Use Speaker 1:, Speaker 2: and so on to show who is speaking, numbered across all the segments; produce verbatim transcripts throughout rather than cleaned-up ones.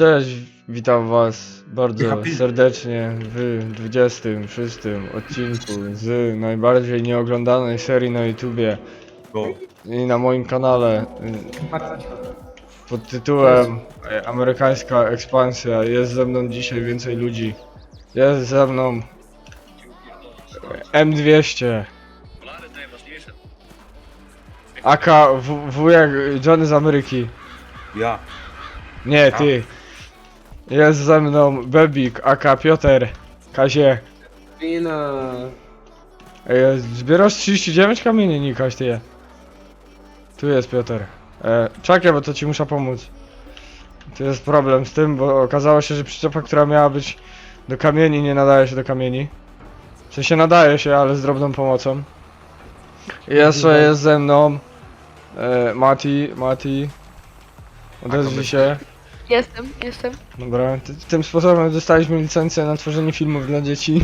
Speaker 1: Cześć, witam was bardzo serdecznie w dwudziestym szóstym odcinku z najbardziej nieoglądanej serii na YouTubie i na moim kanale pod tytułem Amerykańska Ekspansja. Jest ze mną dzisiaj więcej ludzi. Jest ze mną M dwieście, aka w- wujek Johnny z Ameryki.
Speaker 2: Ja.
Speaker 1: Nie, ty. Jest ze mną Bebik, aka Piotr, Kazie.
Speaker 3: Wina.
Speaker 1: Ej, zbierasz trzydzieści dziewięć kamieni, Nikaś, ty je. Tu jest Piotr. E, czekaj, bo to ci muszę pomóc. Tu jest problem z tym, bo okazało się, że przyczepa, która miała być do kamieni, nie nadaje się do kamieni. W sensie nadaje się, ale z drobną pomocą. I jeszcze jest ze mną e, Mati, Mati. Odezwij się.
Speaker 4: Jestem, jestem.
Speaker 1: Dobra, ty, tym sposobem dostaliśmy licencję na tworzenie filmów dla dzieci.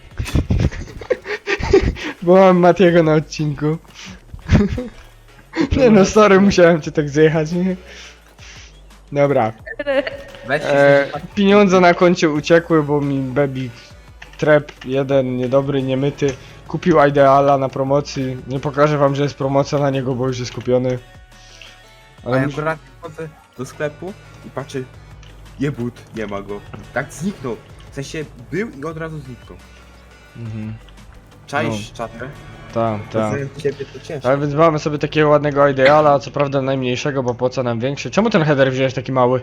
Speaker 1: Bo mam Matiego na odcinku. Nie no, sorry, musiałem cię tak zjechać, nie? Dobra.
Speaker 2: Weź się
Speaker 1: E, pieniądze na koncie uciekły, bo mi Bebik Trap jeden niedobry, niemyty kupił Ideala na promocji. Nie pokażę wam, że jest promocja na niego, bo już jest kupiony.
Speaker 2: A
Speaker 1: Ale
Speaker 2: ja
Speaker 1: mus-
Speaker 2: akurat chodzę do sklepu i patrzę, jebut, nie ma go. Tak zniknął. W sensie był i od razu zniknął.
Speaker 1: Mhm.
Speaker 2: Czaisz czatę?
Speaker 1: Tak, tak.
Speaker 2: Bez ciebie to ciężko.
Speaker 1: Ale więc mamy sobie takiego ładnego Ideala, co prawda najmniejszego, bo po co nam większy? Czemu ten header wziąłeś taki mały?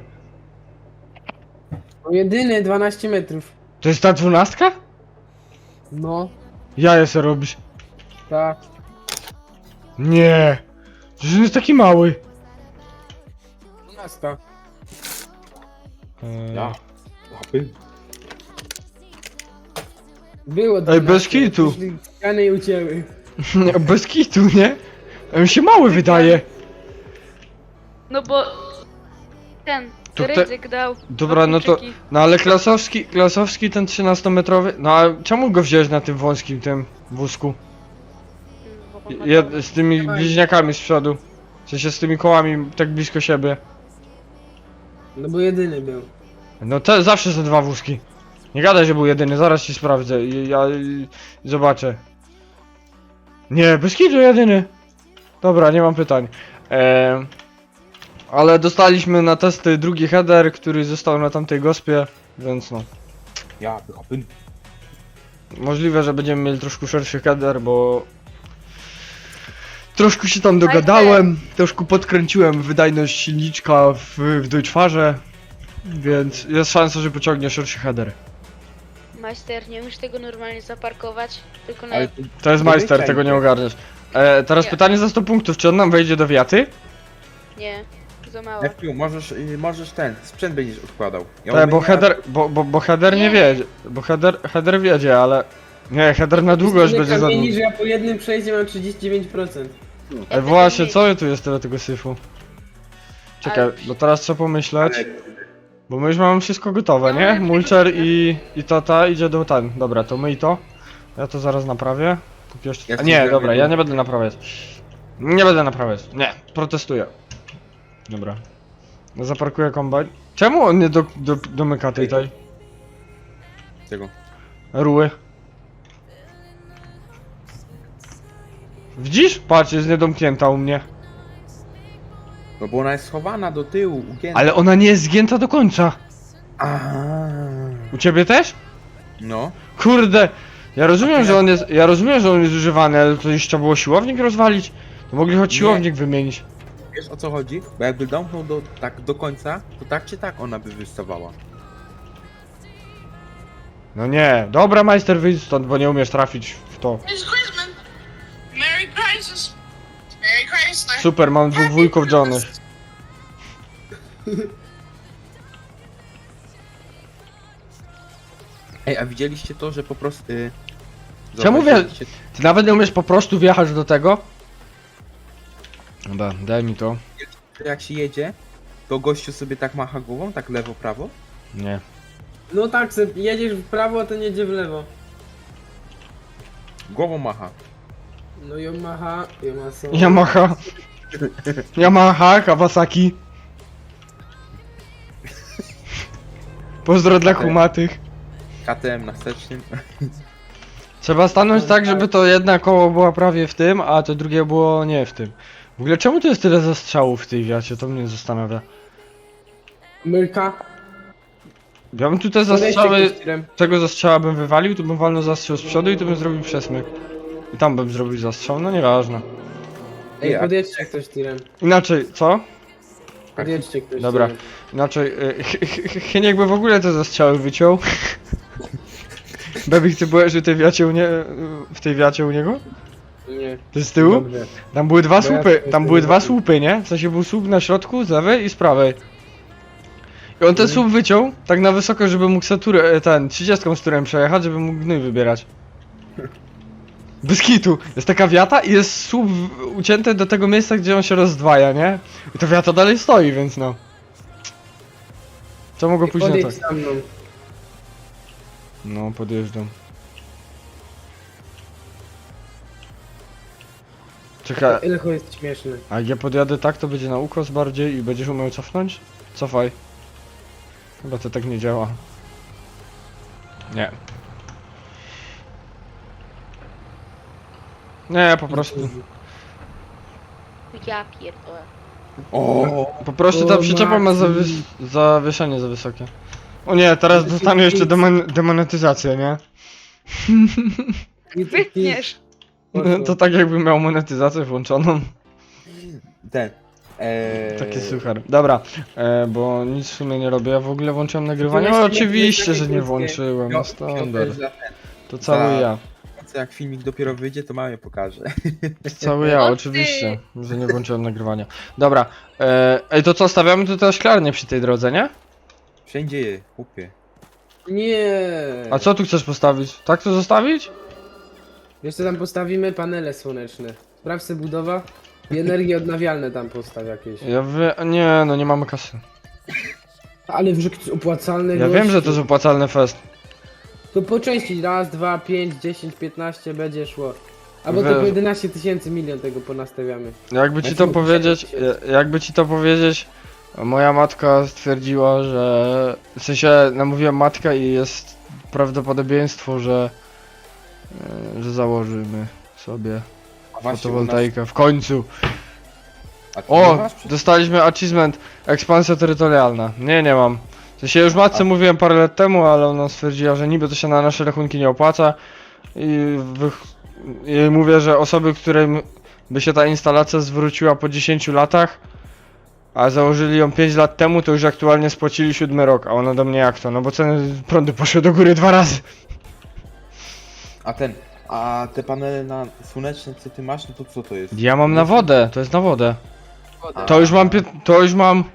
Speaker 3: No jedyny dwanaście metrów.
Speaker 1: To jest ta dwunastka?
Speaker 3: No,
Speaker 1: Ja se robisz.
Speaker 3: tak.
Speaker 1: Nie. Że on jest taki mały.
Speaker 3: dwunastka.
Speaker 1: Eee,
Speaker 2: Ja. Łapy.
Speaker 3: Było
Speaker 1: Ej, bez
Speaker 3: dwanaście,
Speaker 1: kitu.
Speaker 3: przyszli Ściany i ucięły.
Speaker 1: Bez kitu, nie? A mi się mały wydaje.
Speaker 4: No bo ten
Speaker 1: To te-
Speaker 4: ryzyk dał.
Speaker 1: Dobra,
Speaker 4: dwa
Speaker 1: no to...
Speaker 4: kluczyki.
Speaker 1: No ale klasowski, klasowski ten trzynastometrowy... No a czemu go wziąłeś na tym wąskim tym wózku?
Speaker 4: Bo on ma
Speaker 1: Jed,
Speaker 4: to-
Speaker 1: z tymi bliźniakami z przodu. W sensie z tymi kołami tak blisko siebie.
Speaker 3: No bo jedyny był.
Speaker 1: No te zawsze są dwa wózki. Nie gadaj, że był jedyny, zaraz ci sprawdzę i ja i, zobaczę. Nie, bez kitu jedyny. Dobra, nie mam pytań. Eee, ale dostaliśmy na testy drugi header, który został na tamtej gospie, więc no.
Speaker 2: Ja, łapy.
Speaker 1: Możliwe, że będziemy mieli troszkę szerszy header, bo... Troszkę się tam dogadałem, troszkę podkręciłem wydajność silniczka w, w Deutschfarze, więc jest szansa, że pociągnie szerszy header.
Speaker 4: Majster, nie umiesz tego normalnie zaparkować, tylko na...
Speaker 2: Ale
Speaker 1: To jest
Speaker 2: Do
Speaker 1: majster,
Speaker 2: wyjścia
Speaker 1: tego nie
Speaker 2: idzie.
Speaker 1: ogarniesz. E, teraz
Speaker 4: Nie.
Speaker 1: pytanie za sto punktów, czy on nam wejdzie do wiaty?
Speaker 4: Nie, za mało.
Speaker 2: F Q, możesz, y, możesz ten, sprzęt będziesz odkładał. Ja
Speaker 1: Tak, bo
Speaker 2: mówię,
Speaker 1: header, bo, bo, bo header nie
Speaker 4: Nie.
Speaker 1: wiedzie, bo header, header wiedzie, ale... Nie, header na długość
Speaker 3: Tyle
Speaker 1: będzie za
Speaker 3: kamieni,
Speaker 1: długo.
Speaker 3: że ja po jednym przejściu mam trzydzieści dziewięć procent.
Speaker 1: E, właśnie, co tu jest tyle tego syfu? Czekaj,
Speaker 4: Ale-
Speaker 1: bo teraz trzeba pomyśleć, bo my już mamy wszystko gotowe,
Speaker 4: No,
Speaker 1: nie?
Speaker 4: ale-
Speaker 1: Mulcher i, i tata idzie do ten, dobra, to my i to. Ja to zaraz naprawię. Kupię jeszcze...
Speaker 2: Ja
Speaker 1: A
Speaker 2: ci
Speaker 1: nie,
Speaker 2: zrobię
Speaker 1: dobra, ja
Speaker 2: dół.
Speaker 1: nie będę naprawiać. Nie będę naprawiać, nie, protestuję. Dobra. No zaparkuję kombajn. Czemu on nie do, do, domyka tej tej
Speaker 2: Tego.
Speaker 1: ruły? Widzisz? Patrz, jest niedomknięta u mnie.
Speaker 2: No bo ona jest schowana do tyłu, ugięta.
Speaker 1: Ale ona nie jest zgięta do końca.
Speaker 2: Aaaa.
Speaker 1: U ciebie też?
Speaker 2: No.
Speaker 1: Kurde! Ja rozumiem, że on jest. Ja rozumiem, że on jest używany, ale to już trzeba było siłownik rozwalić. To mogli choć
Speaker 2: Nie.
Speaker 1: siłownik wymienić.
Speaker 2: Wiesz o co chodzi? Bo jakby domknął do, tak do końca, to tak czy tak ona by wystawała.
Speaker 1: No nie, dobra majster, wyjdź stąd, bo nie umiesz trafić w to.
Speaker 5: It's Christmas. Merry Christmas. Merry Chrysler.
Speaker 1: Super, mam dwóch wujków Johnny.
Speaker 2: Ej, a widzieliście to, że po prostu... Y...
Speaker 1: Czemu wie-
Speaker 2: zauważyliście-
Speaker 1: Ty nawet nie umiesz po prostu wjechać do tego? Dobra, daj mi to.
Speaker 2: że jak się jedzie, to gościu sobie tak macha głową, tak lewo, prawo?
Speaker 1: Nie.
Speaker 3: No tak, se jedziesz w prawo, a ten jedzie w lewo.
Speaker 2: Głową macha.
Speaker 3: No Yamaha, Yamaha.
Speaker 1: Yamaha. Yamaha, Kawasaki. Pozdro dla
Speaker 2: Okej.
Speaker 1: kumatych.
Speaker 2: K T M na wstecznym.
Speaker 1: Trzeba stanąć tak, żeby to jedna koło było prawie w tym, a to drugie było nie w tym. W ogóle czemu to jest tyle zastrzałów w tej wiacie? To mnie zastanawia.
Speaker 3: Myrka.
Speaker 1: Ja bym tu te
Speaker 3: Podejdźcie
Speaker 1: zastrzały,
Speaker 3: ktoś tirem.
Speaker 1: tego zastrzała bym wywalił, tu bym walnął zastrzał z przodu i tu bym zrobił przesmyk. I tam bym zrobił zastrzał, no nieważne.
Speaker 3: Ej,
Speaker 2: Jak?
Speaker 3: podjedźcie ktoś tirem.
Speaker 1: Inaczej, co?
Speaker 3: Podjedźcie ktoś
Speaker 1: Dobra.
Speaker 3: tirem.
Speaker 1: Inaczej, y, Ch- Ch- Chyniek by w ogóle te zastrzały wyciął. Bebik, ty byłeś w tej wiacie u nie... w tej wiacie u niego?
Speaker 3: Nie.
Speaker 1: Ty z tyłu?
Speaker 3: Dobrze.
Speaker 1: Tam były dwa
Speaker 3: Bo ja
Speaker 1: słupy,
Speaker 3: tutaj
Speaker 1: tam były
Speaker 3: jestem
Speaker 1: dwa
Speaker 3: taki.
Speaker 1: słupy, nie? W sensie był słup na środku, z lewej i z prawej. I on ten
Speaker 3: Mhm.
Speaker 1: słup wyciął, tak na wysoko, żeby mógł se turę, e, ten, trzydziestką z turem przejechać, żeby mógł gnój wybierać. Bez kitu. Jest taka wiata i jest słup w- ucięty do tego miejsca, gdzie on się rozdwaja, nie? I ta wiata dalej stoi, więc no. Co mogło pójść na
Speaker 3: Podejdź
Speaker 1: tak?
Speaker 3: za mną.
Speaker 1: No, podjeżdżam. Czekaj,
Speaker 3: Ile to jest śmieszne.
Speaker 1: a jak ja podjadę tak, to będzie na ukos bardziej i będziesz umiał cofnąć? Cofaj. Chyba to tak nie działa. Nie. Nie, po prostu.
Speaker 4: Ja pierdolę.
Speaker 2: O,
Speaker 1: Po prostu
Speaker 3: O,
Speaker 1: ta przyczepa ma
Speaker 3: Maxi.
Speaker 1: zawys zawieszenie za wysokie. O nie, teraz dostanę jeszcze demon demonetyzację, nie?
Speaker 4: Wytniesz.
Speaker 1: To tak jakbym miał monetyzację włączoną.
Speaker 2: ten. Eee,
Speaker 1: Taki suchar. Dobra, e, bo nic w sumie nie robię. Ja w ogóle włączyłem nagrywanie.
Speaker 3: To
Speaker 1: O,
Speaker 3: właśnie
Speaker 1: oczywiście,
Speaker 3: takie
Speaker 1: że nie
Speaker 3: krótkie.
Speaker 1: włączyłem. No standard.
Speaker 2: Za ten.
Speaker 1: To cały
Speaker 2: za-
Speaker 1: ja.
Speaker 2: Co jak filmik dopiero wyjdzie, to mamie pokażę.
Speaker 1: To cały ja,
Speaker 4: O ty!
Speaker 1: oczywiście, że nie włączyłem nagrywania. Dobra, e, ej, to co, stawiamy tutaj szklarnię przy tej drodze, nie?
Speaker 2: Wszędzie je, chłopie.
Speaker 3: Nie.
Speaker 1: A co tu chcesz postawić? Tak to zostawić?
Speaker 3: Wiesz co tam postawimy? Panele słoneczne. Sprawdź se budowa. I energię odnawialne tam postaw jakieś.
Speaker 1: Ja wie... nie, no nie mamy kasy.
Speaker 3: Ale w rzecz opłacalne
Speaker 1: Ja wiem, że to jest opłacalny fest.
Speaker 3: To po części raz, dwa, pięć, dziesięć, piętnaście będzie szło. Albo to
Speaker 1: Wiesz-
Speaker 3: po jedenaście tysięcy milion tego ponastawiamy.
Speaker 1: Jakby ci to
Speaker 3: Znaczy,
Speaker 1: powiedzieć,
Speaker 3: tysięcy.
Speaker 1: e, jakby ci to powiedzieć, moja matka stwierdziła, że... W sensie, namówiłem matkę i jest prawdopodobieństwo, że... e, że założymy sobie
Speaker 2: A właśnie, u nas-
Speaker 1: fotowoltaikę. W końcu!
Speaker 2: A ty nie
Speaker 1: O!
Speaker 2: masz przecież-
Speaker 1: Dostaliśmy achievement ekspansja terytorialna. Nie, nie mam. W sensie już matce
Speaker 2: A-
Speaker 1: mówiłem parę lat temu, ale ona stwierdziła, że niby to się na nasze rachunki nie opłaca. I, wych... I mówię, że osoby, którym by się ta instalacja zwróciła po dziesięciu latach, a założyli ją pięć lat temu, to już aktualnie spłacili siódmy rok. A ona do mnie jak to? No bo ceny prądu poszły do góry dwa razy.
Speaker 2: A ten, a te panele na słoneczne, co ty masz, no to co to jest?
Speaker 1: Ja mam na wodę, to jest na wodę.
Speaker 2: A-
Speaker 1: To już mam pię... to już mam...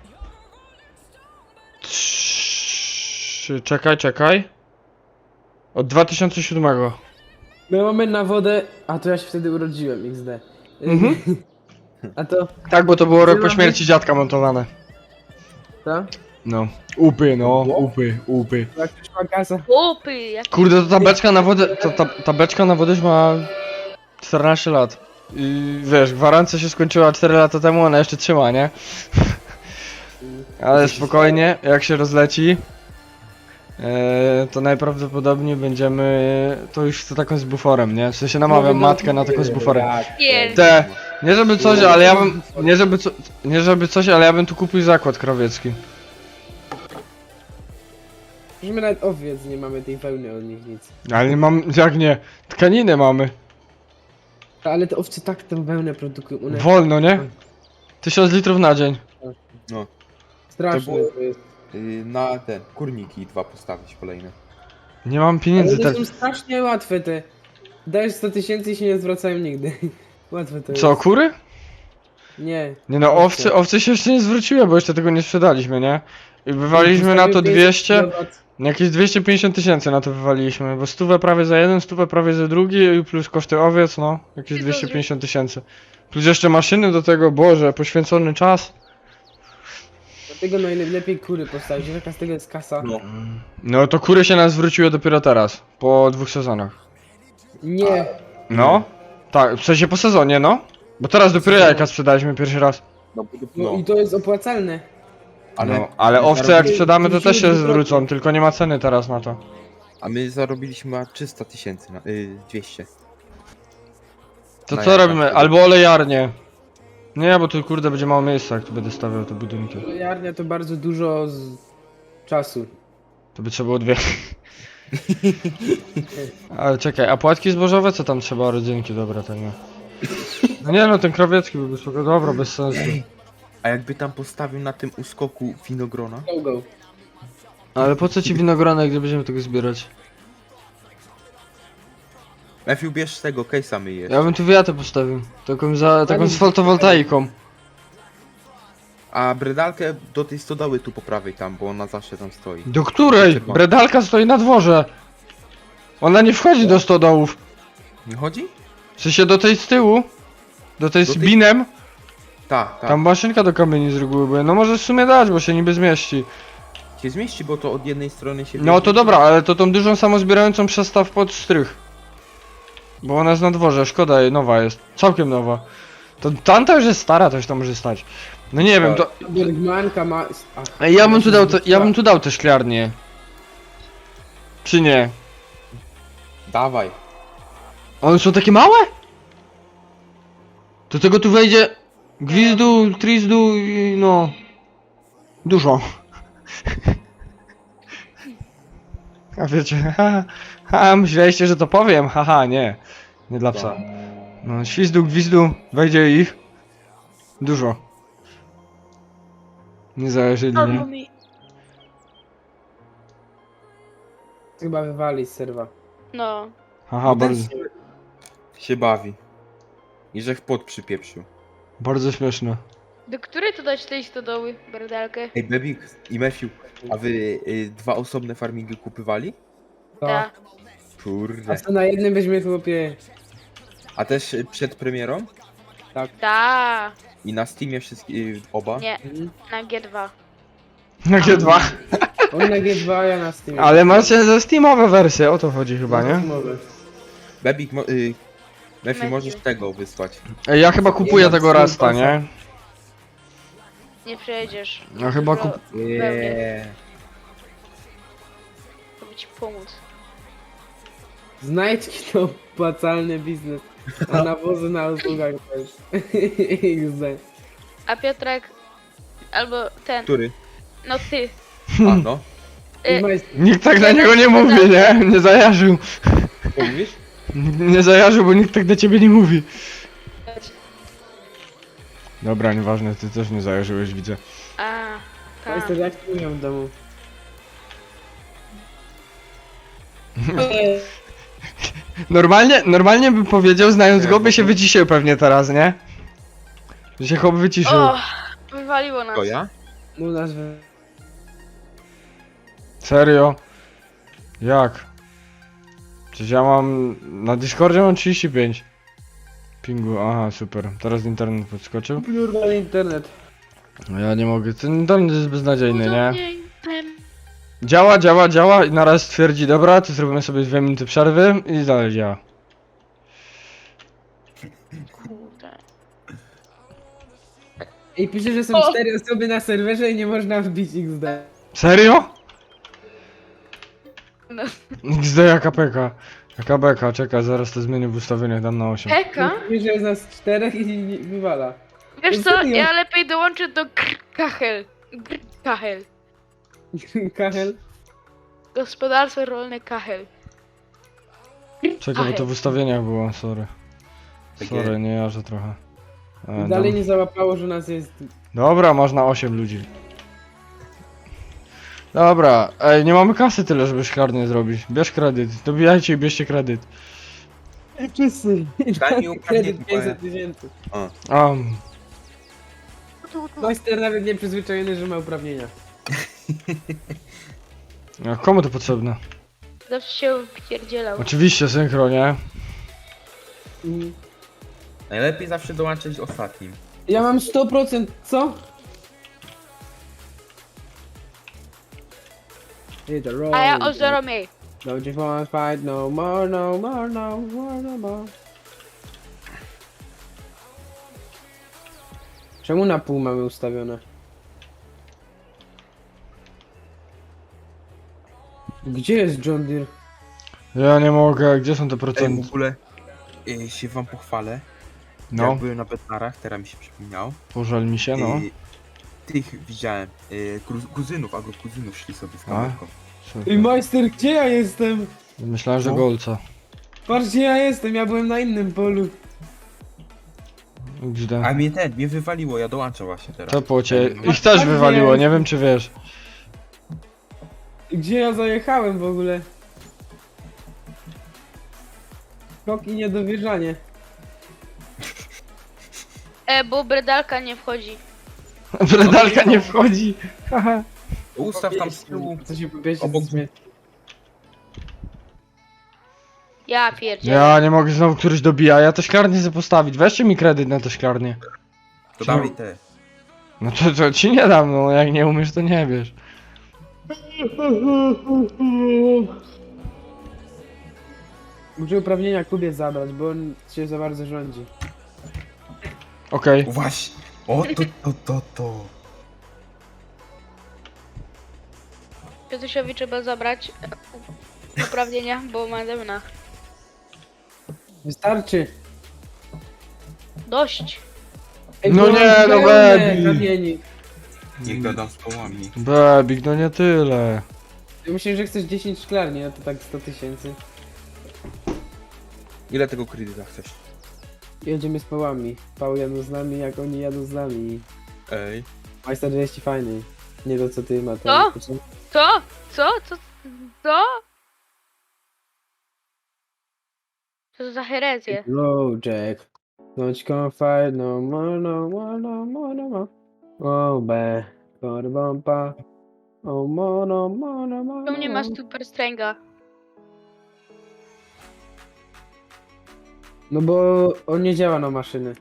Speaker 1: Trzy... Czekaj, czekaj. Od dwa tysiące siódmego.
Speaker 3: My mamy na wodę, a to ja się wtedy urodziłem, iks de.
Speaker 1: Mhm.
Speaker 3: A to,
Speaker 1: Tak, bo to było rok po
Speaker 3: mamy-
Speaker 1: śmierci dziadka montowane.
Speaker 3: to?
Speaker 1: No. Upy, no, upy, upy.
Speaker 3: Jak przyszła kasa.
Speaker 4: Chłopy, jak
Speaker 1: Kurde, to ta beczka na wodę, ta, ta, ta beczka na wodę już ma czternaście lat. I wiesz, gwarancja się skończyła cztery lata temu, ona jeszcze trzyma, nie? Ale spokojnie, jak się rozleci, e, to najprawdopodobniej będziemy, to już chcę taką z buforem, nie? W sensie namawiam matkę na taką z buforem.
Speaker 4: pierd...
Speaker 1: Te, nie żeby coś, ale ja bym, nie żeby, co, nie żeby coś, ale ja bym tu kupił zakład krowiecki.
Speaker 3: Że my nawet owiec nie mamy tej wełny od nich nic.
Speaker 1: Ale nie mam, jak nie, tkaniny mamy.
Speaker 3: Ale te owce tak tę wełnę produkują. One
Speaker 1: Wolno, nie? Tysiąc litrów na dzień.
Speaker 2: No,
Speaker 3: straszne
Speaker 2: to było-
Speaker 3: to jest.
Speaker 2: yy, na ten, kurniki dwa postawić kolejne.
Speaker 1: Nie mam
Speaker 3: Ale
Speaker 1: pieniędzy
Speaker 3: to
Speaker 1: tak.
Speaker 3: są strasznie łatwe te. Dajesz sto tysięcy i się nie zwracają nigdy. Łatwe to
Speaker 1: Co,
Speaker 3: jest.
Speaker 1: kury?
Speaker 3: Nie.
Speaker 1: Nie no, owce, owce się jeszcze nie zwróciły, bo jeszcze tego nie sprzedaliśmy, nie? I wywaliliśmy na to dwieście, jakieś dwieście pięćdziesiąt tysięcy na to wywaliliśmy, bo stówę prawie za jeden, stówę prawie za drugi i plus koszty owiec, no, jakieś dwieście pięćdziesiąt tysięcy. Plus jeszcze maszyny do tego, Boże, poświęcony czas.
Speaker 3: Dlatego najlepiej kury postawić, że taka z tego jest kasa.
Speaker 2: No.
Speaker 1: No to kury się nas zwróciły dopiero teraz, po dwóch sezonach.
Speaker 3: Nie.
Speaker 1: No? Tak, w sensie po sezonie, no. Bo teraz dopiero jajka sprzedaliśmy pierwszy raz.
Speaker 2: No, bo-
Speaker 3: No
Speaker 2: no.
Speaker 3: i to jest opłacalne.
Speaker 2: Ale,
Speaker 1: No, ale owce jak
Speaker 2: zarobili-
Speaker 1: sprzedamy to też się
Speaker 3: Wróciły
Speaker 1: zwrócą, tylko nie ma ceny teraz na to.
Speaker 2: A my zarobiliśmy trzysta tysięcy, na, y, dwieście.
Speaker 1: To
Speaker 2: No
Speaker 1: co
Speaker 2: ja
Speaker 1: robimy?
Speaker 2: tak
Speaker 1: Albo olejarnie. Nie, bo tu kurde będzie mało miejsca, jak tu będę stawiał te budynki.
Speaker 3: Jarnia to bardzo dużo z czasu.
Speaker 1: To by trzeba było dwie. Ale czekaj, a płatki zbożowe co tam trzeba? Rodzynki, dobra, to nie. No nie no, ten krowiecki byłby spoko, dobra, bez sensu.
Speaker 2: A jakby tam postawił na tym uskoku winogrona?
Speaker 3: Go, go.
Speaker 1: Ale po co ci winogrona, gdzie będziemy tego zbierać?
Speaker 2: Matthew, bierz z tego, case'a my jest.
Speaker 1: Ja bym tu wiatę postawił. Taką, za, taką z fotowoltaiką.
Speaker 2: A bredalkę do tej stodoły tu po prawej tam, bo ona zawsze tam stoi.
Speaker 1: Do której?
Speaker 2: Czerwona.
Speaker 1: Bredalka stoi na dworze. Ona nie wchodzi do stodołów.
Speaker 2: Nie chodzi?
Speaker 1: W sensie do tej z tyłu. Do tej
Speaker 2: Do
Speaker 1: z
Speaker 2: tej-
Speaker 1: binem.
Speaker 2: Tak, tak.
Speaker 1: Tam maszynka do kamieni z reguły była. No możesz w sumie dać, bo się niby zmieści.
Speaker 2: Się zmieści, bo to od jednej strony się...
Speaker 1: No to dobra, ale to tą dużą samozbierającą przestaw pod strych. Bo ona jest na dworze, szkoda jej, nowa jest. Całkiem nowa. To tamta już jest stara, to już tam może stać. No nie wiem, to...
Speaker 3: Bergmanka ma... Ach,
Speaker 1: Ej, ja bym tu dał, te, ja bym tu dał te szklarnie. Czy nie?
Speaker 2: Dawaj.
Speaker 1: One są takie małe? Do tego tu wejdzie gwizdu, trizdu i no... Dużo. A wiecie, ha, ha, myśleliście, że to powiem? Haha, nie. Nie dla psa. No, świzdu, gwizdu, wejdzie ich. Dużo. Nie zajarzyli,
Speaker 4: Albo
Speaker 1: nie?
Speaker 4: mi.
Speaker 3: Chyba wywali z serwa.
Speaker 4: No.
Speaker 1: Haha, bardzo,
Speaker 2: Się bawi. I że w pot przypieprzył.
Speaker 1: bardzo śmieszne.
Speaker 4: Do której to dać tej stodoły, berdalkę?
Speaker 2: Ej, Bebik i Matthew, a wy y, dwa osobne farmingi kupywali?
Speaker 3: To.
Speaker 4: Ta.
Speaker 3: A
Speaker 2: Kurde.
Speaker 3: co na jednym weźmie chłopie?
Speaker 2: A też y, przed premierą?
Speaker 4: Ta.
Speaker 2: I na Steamie wszystkie y, oba?
Speaker 4: Nie,
Speaker 3: Mhm.
Speaker 4: na G dwa.
Speaker 1: Na G dwa.
Speaker 3: On na G dwa, ja na Steamie.
Speaker 1: Ale macie ze Steamowe wersje, o to chodzi chyba, nie?
Speaker 3: Steamowe.
Speaker 2: Bebik, mo- y, Matthew,
Speaker 4: Matthew.
Speaker 2: możesz tego wysłać.
Speaker 1: Ej, ja chyba kupuję
Speaker 3: mam
Speaker 1: tego
Speaker 3: Steam
Speaker 1: Rasta,
Speaker 3: Passa.
Speaker 1: nie?
Speaker 4: Nie przejedziesz.
Speaker 1: Ja chyba
Speaker 4: Dużo
Speaker 1: kup-
Speaker 4: wełny,
Speaker 2: Yeah.
Speaker 4: żeby ci pomóc.
Speaker 3: Znajdźki to opłacalny biznes. A nawozy na usługach też. X D.
Speaker 4: A Piotrek, albo ten,
Speaker 2: Który?
Speaker 4: no ty.
Speaker 2: A no.
Speaker 4: Y,
Speaker 1: Nikt tak na niego nie mówi, nie? Nie zajarzył.
Speaker 2: Co mówisz?
Speaker 1: Nie zajarzył, bo nikt tak do ciebie nie mówi. Dobra, nieważne, ty też nie zajarzyłeś, widzę.
Speaker 4: A, tak.
Speaker 3: Majster, jak tu miał w domu?
Speaker 1: Normalnie, normalnie bym powiedział, znając go, by się wyciszył pewnie teraz, nie? Że się chłop wyciszył.
Speaker 4: O, wywaliło nas.
Speaker 2: To ja?
Speaker 3: No nazwę.
Speaker 1: Serio? Jak? Przecież ja mam... Na Discordzie mam trzydzieści pięć. Pingu, aha, super. Teraz internet podskoczył.
Speaker 3: Plurwal internet.
Speaker 1: No ja nie mogę, ten internet jest beznadziejny, nie?
Speaker 4: Udobniej ten.
Speaker 1: Działa, działa, działa i naraz stwierdzi, dobra, to zrobimy sobie dwie minuty przerwy i dalej działa.
Speaker 4: Kurde.
Speaker 3: I pisze, że są
Speaker 4: O!
Speaker 3: cztery osoby na serwerze i nie można wbić X D.
Speaker 1: Serio?
Speaker 4: No.
Speaker 1: X D jaka peka. Jaka beka, czekaj, zaraz to zmienię w ustawieniach, dam na osiem.
Speaker 4: Heka?
Speaker 3: Pisze, że jest nas czterech i nie wywala.
Speaker 4: Wiesz
Speaker 3: No
Speaker 4: co,
Speaker 3: serio?
Speaker 4: ja lepiej dołączę do Gr- Kachel. Gr- Kachel.
Speaker 3: Kachel.
Speaker 4: Gospodarstwo rolne Kachel.
Speaker 1: Czekaj, bo to w ustawieniach było, sorry.
Speaker 2: Takie-
Speaker 1: Sorry, nie jarzę trochę. E,
Speaker 3: Dalej
Speaker 1: dam-
Speaker 3: nie załapało, że nas jest...
Speaker 1: Dobra, można osiem ludzi. Dobra, ej, nie mamy kasy tyle, żeby szklarnię zrobić. Bierz kredyt, dobijajcie i bierzcie kredyt.
Speaker 3: Wszyscy.
Speaker 2: Daj mi uprawnienie,
Speaker 3: Kredyt
Speaker 2: bo ja-
Speaker 3: pięćset tysięcy.
Speaker 1: A,
Speaker 3: Majster nawet nie przyzwyczajony, że ma uprawnienia.
Speaker 1: a komu to potrzebne?
Speaker 4: Zawsze się wpierdzielał.
Speaker 1: Oczywiście, synchro, nie?
Speaker 3: Mhm.
Speaker 2: Najlepiej zawsze dołączyć ostatnim.
Speaker 3: Ja mam sto procent, co? Hit the road.
Speaker 4: A ja o zero mniej.
Speaker 3: Don't you wanna fight no more, no more, no more, no more. Czemu na pół mamy ustawione? Gdzie jest John Deere?
Speaker 1: Ja nie mogę, gdzie są te
Speaker 2: Ej, w
Speaker 1: procenty?
Speaker 2: ogóle y, się wam pochwalę.
Speaker 1: No,
Speaker 2: Jak byłem na Bednarach, teraz mi się przypomniał.
Speaker 1: pożal mi się, no.
Speaker 2: Y, tych widziałem, y, kru- kuzynów, albo kuzynów szli sobie z kamerką.
Speaker 1: Super.
Speaker 3: Ej, majster, gdzie ja jestem?
Speaker 1: Myślałem, że
Speaker 2: No.
Speaker 1: golca.
Speaker 3: Patrz, gdzie ja jestem, ja byłem na innym polu.
Speaker 1: Gdzie?
Speaker 2: A mnie ten, mnie wywaliło, ja dołączam właśnie teraz.
Speaker 1: To płocie.
Speaker 2: No.
Speaker 1: Ich też
Speaker 3: Tak
Speaker 1: wywaliło,
Speaker 3: jest.
Speaker 1: nie wiem czy wiesz.
Speaker 3: Gdzie ja zajechałem w ogóle? Skok i niedowierzanie.
Speaker 4: E, bo bredalka nie wchodzi.
Speaker 1: Bredalka nie wchodzi. Haha.
Speaker 2: Ustaw tam z tyłu.
Speaker 3: Co się pobieście
Speaker 2: Obok-
Speaker 3: z mnie?
Speaker 4: Ja pierdzielę.
Speaker 1: Ja nie mogę, znowu któryś dobija, ja to szklarnię chcę postawić. Weźcie mi kredyt na to szklarnię.
Speaker 2: To dawaj te.
Speaker 1: No to, to ci nie dam, no jak nie umiesz to nie wiesz.
Speaker 3: Muszę uprawnienia Kubie zabrać, bo on się za bardzo rządzi.
Speaker 1: Okej.
Speaker 2: O, właśnie. O, to, to, to, to.
Speaker 4: Piotusiowi trzeba zabrać e, uprawnienia, bo ma demna.
Speaker 3: Wystarczy.
Speaker 4: Dość.
Speaker 3: Ej,
Speaker 1: No
Speaker 3: bo
Speaker 1: nie,
Speaker 3: mam
Speaker 1: no
Speaker 3: pełne
Speaker 1: Bebi.
Speaker 3: kamieni.
Speaker 2: Niech gadam z połami.
Speaker 1: Bebik, no nie tyle.
Speaker 3: Ja myślę, że chcesz dziesięć szklarni, a to tak sto tysięcy.
Speaker 2: Ile tego kredyta chcesz?
Speaker 3: Jedziemy z pałami. Pał jadą z nami, jak oni jadą z nami.
Speaker 2: Ej.
Speaker 3: Majster jest ci fajny. Nie to co ty ma
Speaker 4: Co?
Speaker 3: tam.
Speaker 4: Co? Co? Co? Co? Co to za herezję?
Speaker 3: Low Jack. Don't confide no more, no more, no more, no more. Oh, be. Korbompa. Oh, more, no more, no more.
Speaker 4: Tu nie ma super stręga.
Speaker 3: No bo on nie działa na maszyny.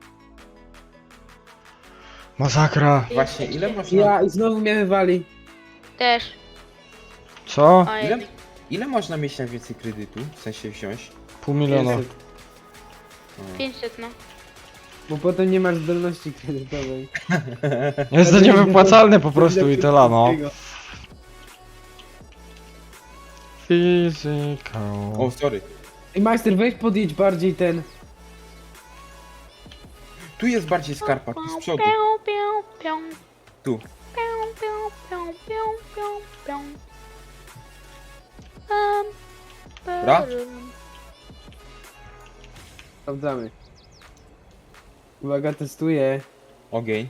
Speaker 1: Masakra.
Speaker 2: Właśnie, ile można,
Speaker 3: Ja i znowu mnie wywali.
Speaker 4: Też.
Speaker 1: Co?
Speaker 4: Ojej.
Speaker 2: ile, ile można mieć najwięcej kredytu? W sensie wziąć?
Speaker 1: Pół miliona.
Speaker 3: pięćset.
Speaker 4: pięćset no.
Speaker 3: Bo potem nie masz zdolności kredytowej.
Speaker 1: Jest to niewypłacalne po prostu i tyle, no. Physical.
Speaker 2: O, sorry.
Speaker 3: Ej, majster, weź podjedź bardziej ten.
Speaker 2: Tu jest bardziej skarpa, tu z przodu.
Speaker 4: Pią, pią, pią.
Speaker 2: Tu.
Speaker 4: Pią, pią, pią, pią, pią, pią. Pam,
Speaker 2: Dobra?
Speaker 4: parum.
Speaker 3: Sprawdzamy. Uwaga, testuję.
Speaker 2: Ogień.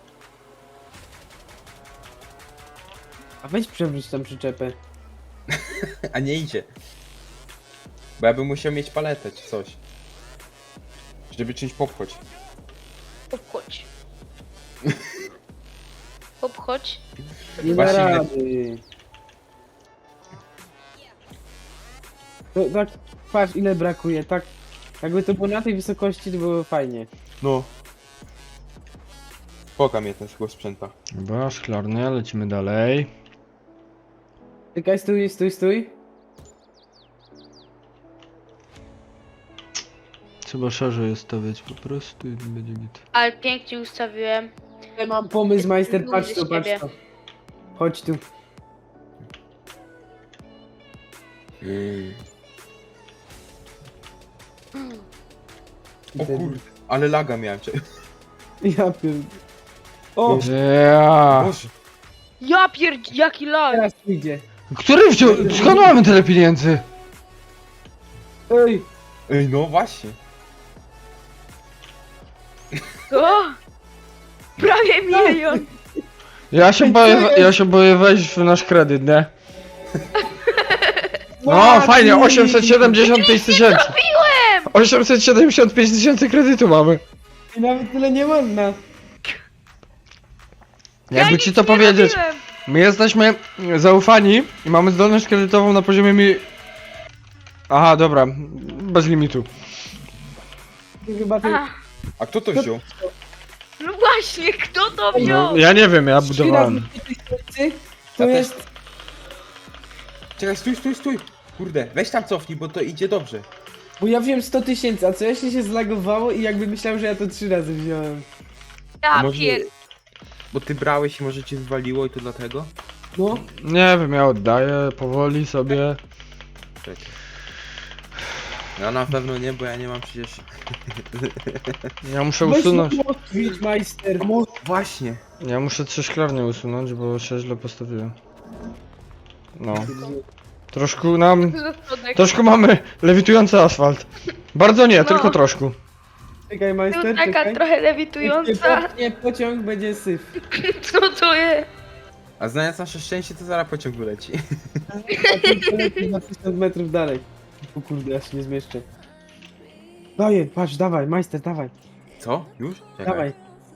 Speaker 3: A weź przewróć tam przyczepę.
Speaker 2: A nie idzie. Bo ja bym musiał mieć paletę czy coś. Żeby czymś popchać.
Speaker 4: Obchodź. Obchodź.
Speaker 3: Nie da
Speaker 2: Właśnie idę-
Speaker 3: rady. To, tak, patrz ile brakuje, tak. Jakby to było na tej wysokości, to było fajnie.
Speaker 2: No. Poka mnie ten tego sprzęta.
Speaker 1: Dobra, szklarnia, lecimy dalej.
Speaker 3: Czekaj, stój, stój, stój.
Speaker 1: Trzeba szerzej stawiać po prostu i będzie git.
Speaker 4: Ale pięknie ustawiłem.
Speaker 3: Ja mam pomysł, majster,
Speaker 4: Dumny
Speaker 3: patrz
Speaker 4: z
Speaker 3: tu, patrz
Speaker 4: siebie.
Speaker 3: tu. Chodź tu.
Speaker 2: O kurde, ale laga miałem. Cze-
Speaker 3: Ja pierd... O,
Speaker 1: Ja.
Speaker 2: Boże.
Speaker 4: Ja pierd... jaki lag!
Speaker 3: teraz idzie.
Speaker 1: Który wziął? Skąd mamy tyle pieniędzy?
Speaker 3: Ej,
Speaker 2: Ej, no właśnie.
Speaker 4: O! Prawie milion!
Speaker 1: Ja się boję, ja się boję wejść w nasz kredyt, nie? No fajnie, osiemset siedemdziesiąt pięć tysięcy. osiemset siedemdziesiąt pięć tysięcy kredytu mamy.
Speaker 3: i nawet tyle nie można.
Speaker 1: Jakby ci to powiedzieć, my jesteśmy zaufani i mamy zdolność kredytową na poziomie mi... Aha, dobra, bez limitu.
Speaker 3: Chyba ty...
Speaker 4: A,
Speaker 2: A kto to wziął?
Speaker 4: no właśnie, kto to
Speaker 1: No,
Speaker 4: wziął?
Speaker 1: ja nie wiem, ja
Speaker 3: Trzy razy
Speaker 1: budowałem.
Speaker 3: pięć tysięcy, to
Speaker 2: Ja też.
Speaker 3: jest...
Speaker 2: Czekaj, stój, stój, stój. Kurde, weź tam cofnij, bo to idzie dobrze.
Speaker 3: Bo ja wziąłem sto tysięcy, a co jeśli się zlagowało i jakby myślałem, że ja to trzy razy wziąłem.
Speaker 4: Ja
Speaker 2: Może-
Speaker 4: pierd...
Speaker 2: Bo ty brałeś i może cię zwaliło i to dlatego?
Speaker 3: No,
Speaker 1: Nie wiem, ja oddaję powoli sobie.
Speaker 2: Czekaj. Ja na pewno nie, bo ja nie mam przecież...
Speaker 1: Ja muszę
Speaker 3: weź
Speaker 1: usunąć.
Speaker 3: na Twitch, majster.
Speaker 2: No właśnie.
Speaker 1: Ja muszę trzy szklarnie usunąć, bo się źle postawiłem. No. Troszkę nam.
Speaker 4: Zasłodek.
Speaker 1: Troszkę mamy lewitujący asfalt. Bardzo nie,
Speaker 4: No.
Speaker 1: tylko troszkę.
Speaker 3: Czekaj,
Speaker 4: Tu
Speaker 3: majster,
Speaker 4: taka
Speaker 3: czekaj.
Speaker 4: trochę lewitująca.
Speaker 3: Nie, pociąg będzie syf.
Speaker 4: Co to jest?
Speaker 2: A znając nasze szczęście, to zaraz pociąg wyleci.
Speaker 3: A ty polecisz na tysiąc metrów dalej. O kurde, ja się nie zmieszczę. Daję, patrz, dawaj, majster, dawaj,
Speaker 2: Co? Już? Czekaj.
Speaker 3: dawaj.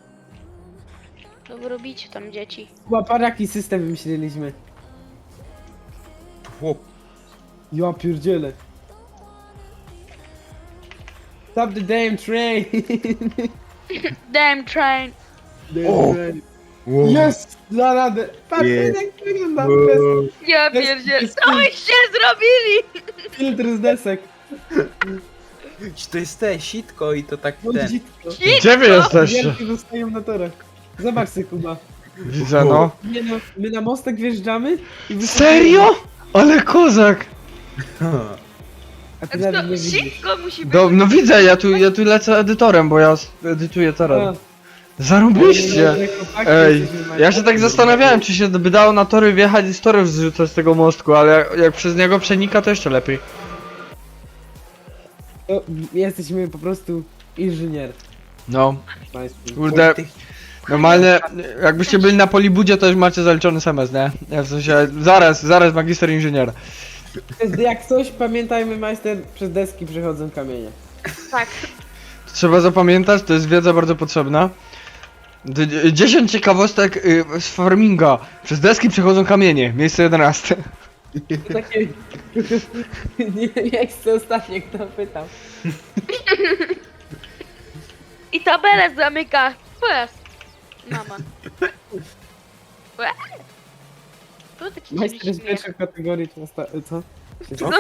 Speaker 4: Co wy robicie tam, dzieci?
Speaker 3: Chyba paraki system wymyśliliśmy.
Speaker 2: Chłop.
Speaker 3: Ja pierdzielę. Stop the damn train!
Speaker 4: Damn train.
Speaker 3: Damn
Speaker 2: O!
Speaker 3: train.
Speaker 2: Wow.
Speaker 3: Jest! Da radę! Patrz,
Speaker 2: Jest.
Speaker 3: jak wygląda!
Speaker 2: Wow.
Speaker 4: Ja
Speaker 3: Bez-
Speaker 4: pierdzielę.
Speaker 3: bez-
Speaker 4: Co byście zrobili?
Speaker 3: Filtr z desek.
Speaker 2: To jest te sitko i to tak
Speaker 3: No
Speaker 2: ten.
Speaker 3: dzitko.
Speaker 1: Gdzie wy jesteście?
Speaker 3: Wielki zostają na torach. Zobacz sobie, Kuba.
Speaker 1: Widzę, no.
Speaker 3: Nie no, my na mostek wjeżdżamy i wyskakujemy.
Speaker 1: Serio? Ale kozak!
Speaker 3: A ty
Speaker 4: To
Speaker 3: nawet nie widzisz.
Speaker 4: szybko musi być.
Speaker 1: Do, no widzę, ja tu, ja tu lecę edytorem, bo ja s- edytuję teraz. Zarobiście! Ej, ja się tak zastanawiałem, czy się by dało na tory wjechać i z torów zrzucać z tego mostku, ale jak, jak przez niego przenika, to jeszcze lepiej.
Speaker 3: To jesteśmy po prostu inżynier.
Speaker 1: No,
Speaker 3: Majster.
Speaker 1: kurde, normalnie, jakbyście byli na Polibudzie, to już macie zaliczony semestr, nie? Ja w sensie, zaraz, zaraz magister inżyniera.
Speaker 3: Jak coś, pamiętajmy, majster, przez deski przechodzą kamienie.
Speaker 4: Tak.
Speaker 1: Trzeba zapamiętać, to jest wiedza bardzo potrzebna. D- dziesięć ciekawostek y, z farminga. Przez deski przechodzą kamienie, miejsce jedenaste.
Speaker 3: To takie... nie miejsce ostatnie, kto pytał.
Speaker 4: I tabelę zamyka. Pojazd. Mama. Łe. Tu taki
Speaker 3: Majster jest
Speaker 4: śmiech.
Speaker 3: pierwszy w kategorii, czy osta... co?
Speaker 4: No.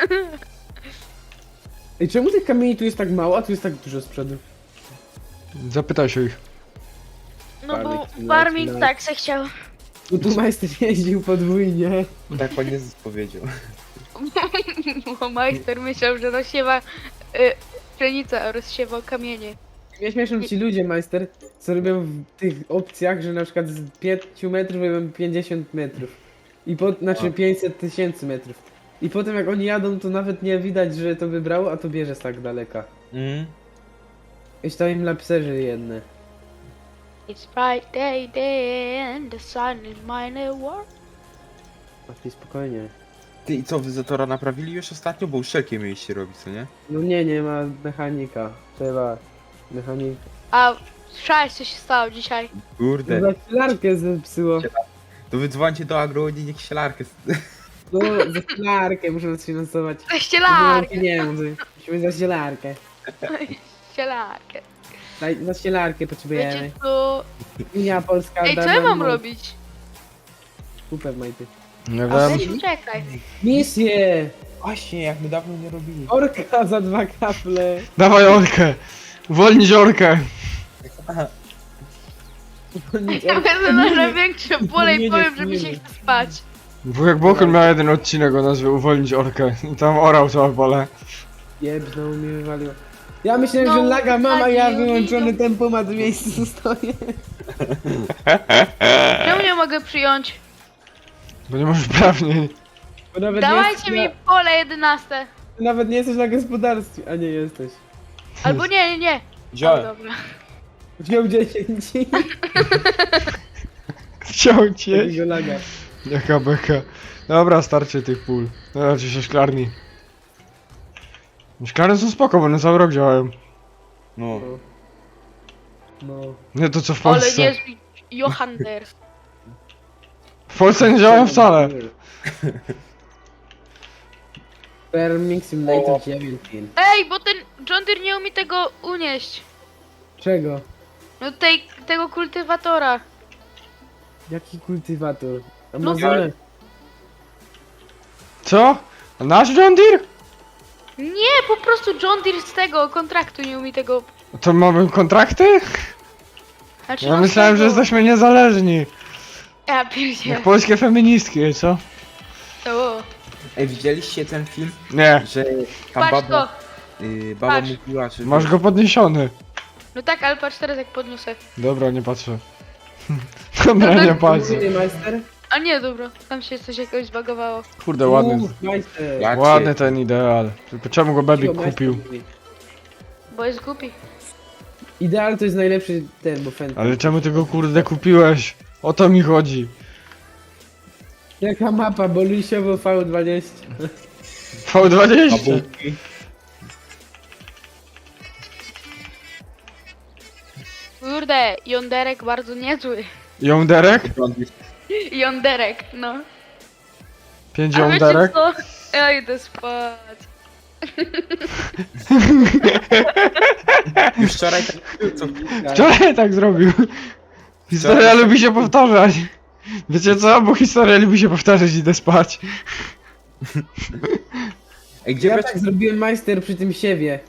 Speaker 3: Ej, czemu tych kamieni tu jest tak mało, a tu jest tak dużo z przodu?
Speaker 1: Zapytaj się ich.
Speaker 4: No bo
Speaker 3: Farming,
Speaker 4: farming
Speaker 3: like,
Speaker 4: tak se chciał.
Speaker 3: No tu majster jeździł podwójnie.
Speaker 2: Tak pan Jezus powiedział.
Speaker 4: Bo majster myślał, że rozsiewa y, pszenicę, a rozsiewał kamienie.
Speaker 3: Mnie śmieszą ci ludzie, majster, co robią w tych opcjach, że na przykład z pięciu metrów robią pięćdziesiąt metrów. I po, znaczy
Speaker 2: A.
Speaker 3: pięćset tysięcy metrów. I potem jak oni jadą, to nawet nie widać, że to wybrało, a to bierze z tak daleka.
Speaker 2: Mm.
Speaker 3: Już tam im lapserzy jedne.
Speaker 4: It's Friday day and the sun is mine world.
Speaker 3: A ty spokojnie.
Speaker 2: Ty i co, wy Zatora naprawili już ostatnio? Bo uszczelkie mieliście robić, co nie?
Speaker 3: No nie, nie ma mechanika. Trzeba mechanika.
Speaker 4: A słyszałeś co się stało dzisiaj?
Speaker 2: Kurde.
Speaker 3: No zaślarkę zepsuło.
Speaker 2: To wy dzwońcie do Agroni, niech sielarkę...
Speaker 3: No, zaślarkę muszę sfinansować. Nie mam
Speaker 4: Ścielarkę!
Speaker 3: pieniędzy. Musimy zaślarkę.
Speaker 4: Ścielarkę.
Speaker 3: Daj, zaślarkę potrzebujemy.
Speaker 4: Wiecie co?
Speaker 3: Unia Polska.
Speaker 4: Ej, co ja
Speaker 3: darmo
Speaker 4: mam
Speaker 3: moc.
Speaker 4: robić?
Speaker 3: Super, majty.
Speaker 1: Nie
Speaker 4: A
Speaker 1: wiem.
Speaker 4: weź czekaj.
Speaker 3: Misję!
Speaker 2: Właśnie, jak my dawno nie robili.
Speaker 3: Orka za dwa kaple.
Speaker 1: Dawaj orkę! Uwolnić orkę!
Speaker 4: Ja będę na największe pole i
Speaker 3: Nie, nie,
Speaker 4: powiem, że mi
Speaker 3: nie,
Speaker 4: się
Speaker 3: nie.
Speaker 4: chce spać.
Speaker 1: Wujek Bokun miał jeden odcinek o nazwie Uwolnić orkę. I tam orał całe pole.
Speaker 3: Jeb, znowu mi wywaliło. Ja myślałem,
Speaker 4: No,
Speaker 3: że laga mam, a ja
Speaker 4: wywaliło mi,
Speaker 3: wyłączony
Speaker 4: no.
Speaker 3: tempomat w miejscu stoję.
Speaker 4: Czemu nie mogę przyjąć?
Speaker 1: Bo nie możesz prawniej.
Speaker 3: Bo nawet nie
Speaker 4: Dawajcie
Speaker 3: jesteś
Speaker 4: mi
Speaker 3: na,
Speaker 4: pole jedenaste.
Speaker 3: nawet nie jesteś na gospodarstwie, a nie jesteś.
Speaker 4: Albo nie, nie, nie. O,
Speaker 2: Wziąłem.
Speaker 4: dobra.
Speaker 3: Wziął dziesięć.
Speaker 1: Chciał cię.
Speaker 3: Takiego laga.
Speaker 1: Jaka beka. Dobra, starczy tych pól. Znaczy się szklarni. Szklarnie są spoko, bo one cały rok działają.
Speaker 2: No.
Speaker 3: No.
Speaker 1: Nie to co w
Speaker 4: Ale
Speaker 1: Polsce.
Speaker 4: nie Johander.
Speaker 1: W Polsce nie działają wcale.
Speaker 3: Farming Simulator dziewiętnaście.
Speaker 4: Ej, bo ten John Deere nie umie tego unieść.
Speaker 3: Czego?
Speaker 4: No tej, tego kultywatora.
Speaker 3: Jaki kultywator?
Speaker 4: No,
Speaker 3: Amazonę?
Speaker 1: Co? A nasz John Deere?
Speaker 4: Nie, po prostu John Deere z tego kontraktu nie umie tego.
Speaker 1: To mamy kontrakty?
Speaker 4: Znaczy,
Speaker 1: Ja
Speaker 4: no z
Speaker 1: myślałem, że
Speaker 4: tego-
Speaker 1: jesteśmy niezależni.
Speaker 4: Ja pierdzielę.
Speaker 1: Jak polskie feministki, co?
Speaker 4: O,
Speaker 2: Ej, widzieliście ten film?
Speaker 1: Nie,
Speaker 2: Że tam
Speaker 4: patrz to.
Speaker 2: baba, y, baba
Speaker 4: Patrz.
Speaker 2: mówiła, że...
Speaker 1: masz go podniesiony.
Speaker 4: No tak, ale patrz teraz jak podniosę.
Speaker 1: Dobra, nie patrzę. Dobra,
Speaker 4: No
Speaker 1: nie
Speaker 4: tak.
Speaker 1: patrzę.
Speaker 3: Mówię, majster?
Speaker 4: A nie, dobra. Tam się coś jakoś zbagowało.
Speaker 1: Kurde, ładny.
Speaker 3: Mów, majster.
Speaker 2: Ja cię-
Speaker 1: Ładny ten ideal. Tylko czemu go Bebik
Speaker 3: Cicho, majster
Speaker 1: kupił?
Speaker 3: mówi.
Speaker 4: Bo jest głupi.
Speaker 3: Ideal to jest najlepszy ten, bo fan.
Speaker 1: Ale czemu ty go kurde kupiłeś? O to mi chodzi.
Speaker 3: Jaka mapa, bo Lisiowo V dwadzieścia.
Speaker 1: V dwadzieścia.
Speaker 2: Babułki.
Speaker 4: Kurde, jąderek bardzo niezły.
Speaker 1: Jąderek?
Speaker 4: Jąderek, no.
Speaker 1: Pięć
Speaker 4: A wiecie
Speaker 1: jąderek?
Speaker 4: co? Ja idę spać.
Speaker 2: Już wczoraj tak był, co...
Speaker 1: Wczoraj tak zrobił. Historia lubi się powtarzać. Wiecie co? Bo historia lubi się powtarzać, idę spać.
Speaker 2: Ej, gdzie
Speaker 3: Ja
Speaker 2: brać...
Speaker 3: tak zrobiłem majster przy tym siewie.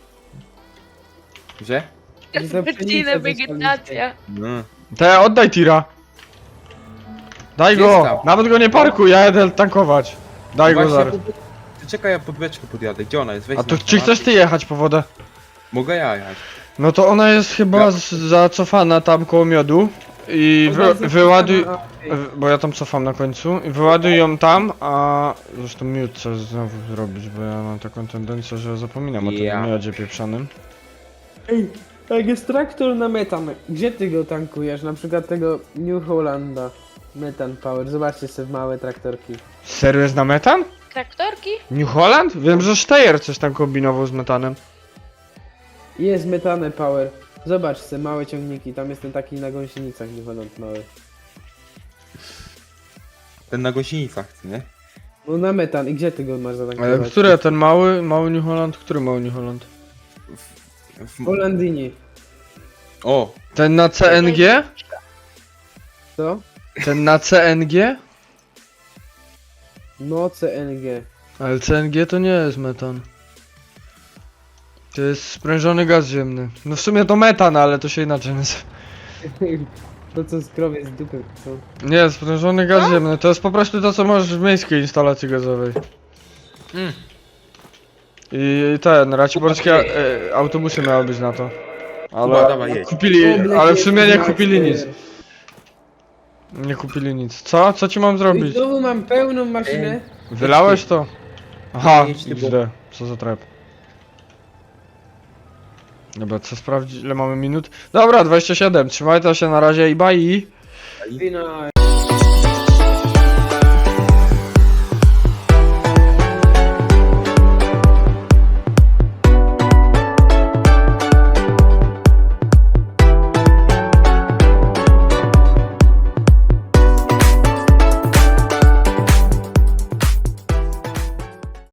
Speaker 2: Że?
Speaker 3: Gdzie za
Speaker 4: Godzinę
Speaker 3: pszenicę
Speaker 4: wegetacja.
Speaker 2: No.
Speaker 1: To ja oddaj tira. Daj
Speaker 2: Gdzie
Speaker 1: go!
Speaker 2: jest tam?
Speaker 1: Nawet go nie parkuj, ja jedę tankować. Daj go
Speaker 2: Właśnie
Speaker 1: zaraz.
Speaker 2: pod- Ty czekaj, ja pod beczkę podjadę. Gdzie ona jest? Weź
Speaker 1: A to
Speaker 2: znasz
Speaker 1: czy
Speaker 2: na
Speaker 1: chcesz
Speaker 2: mapie.
Speaker 1: ty jechać po wodę?
Speaker 2: Mogę ja jechać.
Speaker 1: No to ona jest chyba z, zacofana tam koło miodu. I wy, wyładuj... w- Bo ja tam cofam na końcu. I wyładuj ją tam, a... Zresztą miód chcę znowu zrobić, bo ja mam taką tendencję, że zapominam o
Speaker 2: Ja.
Speaker 1: tym miodzie pieprzanym.
Speaker 3: Ej, jak jest traktor na metan, gdzie ty go tankujesz? Na przykład tego New Hollanda. Metan Power, zobaczcie sobie małe traktorki.
Speaker 1: Serio jest na metan?
Speaker 4: Traktorki?
Speaker 1: New Holland? Wiem, że Steyr coś tam kombinował z metanem.
Speaker 3: Jest metane Power. Zobacz sobie małe ciągniki, tam jest ten taki na gąsienicach New Holland mały.
Speaker 2: Ten na gąsienicach, nie?
Speaker 3: No na metan, i gdzie ty go masz
Speaker 1: Ale
Speaker 3: zatankować?
Speaker 1: który ten mały, mały New Holland? Który mały New Holland?
Speaker 2: W...
Speaker 3: Hollandini.
Speaker 2: O!
Speaker 1: Ten na C N G?
Speaker 3: Co?
Speaker 1: Ten na C N G?
Speaker 3: No C N G.
Speaker 1: Ale C N G to nie jest metan. To jest sprężony gaz ziemny. No w sumie to metan, ale to się inaczej nazywa.
Speaker 3: To co z krowie z dupy, co?
Speaker 1: Nie, sprężony gaz ziemny. To jest po prostu to, co masz w miejskiej instalacji gazowej.
Speaker 2: Mm.
Speaker 1: I ten, raciborskie e, autobusy miały być na to. Ale
Speaker 2: Kuba, dawaj, jedź.
Speaker 1: kupili,
Speaker 3: Oblek
Speaker 1: ale w
Speaker 3: jest
Speaker 1: sumie nie
Speaker 3: majster.
Speaker 1: kupili nic. Nie kupili nic. Co? Co ci mam
Speaker 3: I
Speaker 1: zrobić?
Speaker 3: znowu mam pełną maszynę.
Speaker 1: Wylałeś to? Aha,
Speaker 2: Jedź ty, bo-
Speaker 1: X D. Co za trap. Dobra, co sprawdzić? Ile mamy minut? Dobra, dwadzieścia siedem. Trzymajcie się na razie i bye.
Speaker 3: Wina.